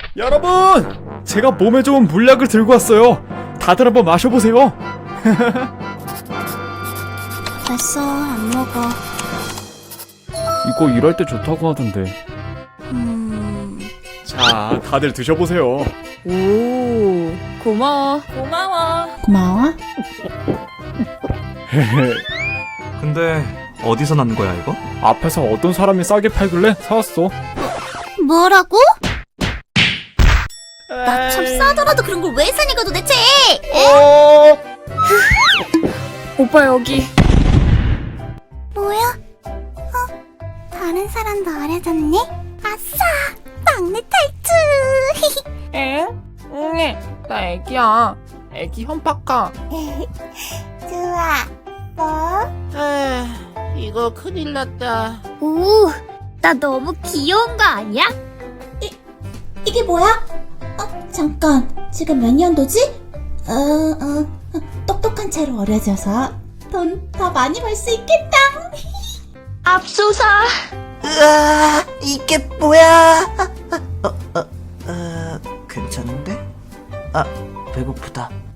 여러분! 제가 몸에 좋은 물약을 들고 왔어요. 다들 한번 마셔보세요. 됐어, 안 먹어. 이거 일할 때 좋다고 하던데. 자, 다들 드셔보세요. 오, 고마워. 고마워. 고마워. 근데 어디서 난 거야 이거? 앞에서 어떤 사람이 싸게 팔길래 사왔어. 뭐라고? 나 참 싸더라도 그런 걸 왜 사니까 도대체? 오빠 여기. 뭐야? 다른 사람도 어려졌네? 아싸! 막내 탈출! 응? 나 애기야. 애기 현박아. 좋아. 뭐? 이거 큰일 났다. 오, 나 너무 귀여운 거 아니야? 이게 뭐야? 잠깐, 지금 몇 년도지? 똑똑한 채로 어려져서 돈 더 많이 벌 수 있겠다. 압수사. 으아, 이게 뭐야? 괜찮은데? 배고프다.